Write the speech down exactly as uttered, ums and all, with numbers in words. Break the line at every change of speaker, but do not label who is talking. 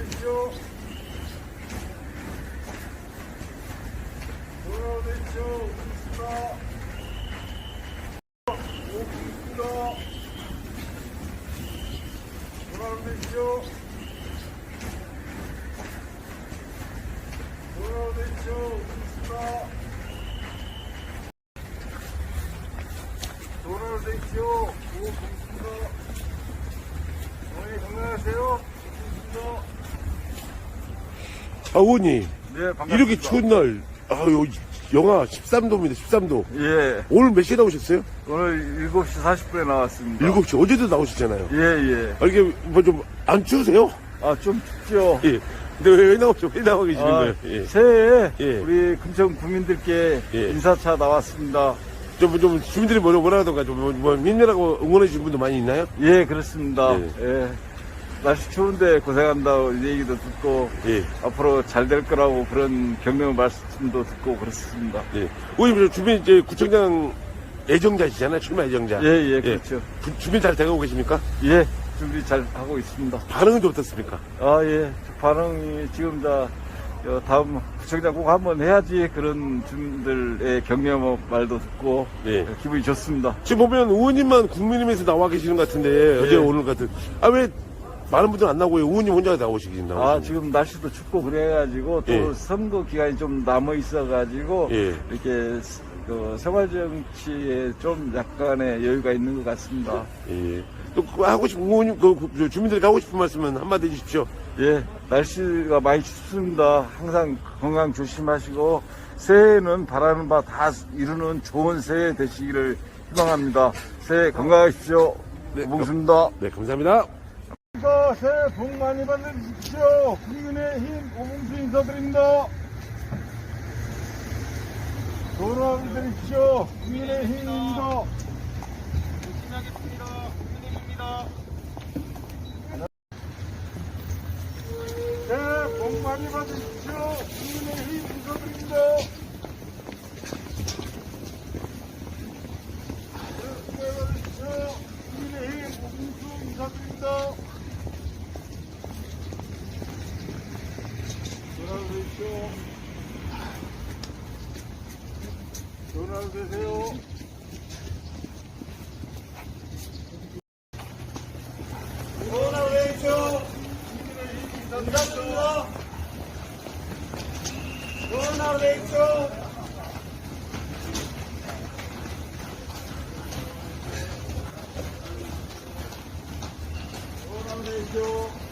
돌아오십시오. 돌아오십시오. 오십니다. 돌아오십시오. 돌아오십시오. 오십니다. 돌아오십시오. 오십니다. 어머니 건강하세요. 오십니다.
아, 의원님.
네, 반갑습니다.
이렇게 추운 날, 아유, 영하 십삼 도입니다, 십삼 도.
예,
오늘 몇 시에 나오셨어요?
오늘 일곱 시 사십 분에 나왔습니다.
일곱 시. 어제도 나오셨잖아요.
예, 예.
아, 이게 뭐 좀 안 추우세요?
아, 좀 춥죠?
예. 근데 왜, 왜 나오죠? 왜 나와 계시는
아,
거예요? 예.
새해에
예.
우리 금천 구민들께
예.
인사차 나왔습니다.
좀, 좀, 주민들이 뭐라, 뭐라 하던가, 좀, 뭐, 뭐, 힘내라고 응원해 주신 분도 많이 있나요?
예, 그렇습니다.
예.
예. 날씨 추운데 고생한다고 얘기도 듣고,
예.
앞으로 잘 될 거라고 그런 격려 말씀도 듣고 그렇습니다.
예. 의원님, 저 주민, 이제 구청장 애정자시잖아요. 출마 애정자.
예, 예, 그렇죠.
주, 주민 잘 돼가고 계십니까?
예, 준비 잘 하고 있습니다.
반응은 좀 어떻습니까?
아, 예. 반응이 지금 다, 어, 다음 구청장 꼭 한번 해야지 그런 주민들의 격려 말도 듣고,
예.
기분이 좋습니다.
지금 보면 의원님만 국민의힘에서 나와 계시는 것 같은데, 어제 오늘 같은. 아, 왜 많은 분들 안 나오고 의원님 혼자 나오시긴 나오시고.
아, 지금 날씨도 춥고 그래가지고 또
예.
선거 기간이 좀 남아 있어가지고
예.
이렇게 그 생활 정치에 좀 약간의 여유가 있는 것 같습니다.
예. 또 그거 하고 싶은 의원님, 그, 그 주민들에게 하고 싶은 말씀은 한마디 해주십시오.
예, 날씨가 많이 춥습니다. 항상 건강 조심하시고 새해에는 바라는 바 다 이루는 좋은 새해 되시기를 희망합니다. 새해 건강하십시오.
네,
고맙습니다.
네, 감사합니다.
새해 복 많이 받으십시오. 국민의힘 오봉수 인사드립니다. 돌아오게 되십시오. 국민의힘입니다.
하겠습니다. 국민의힘입니다.
새해 복 많이 받으십시오. 국민의힘 인사드립니다. 새해 복 많이 받으십시오. 국민의힘 오봉수 인사드립니다. 돌아오십시오. 돌아오세요. 돌아오십시오. 인사드립니다. 돌아오십시오. 돌아오십시오.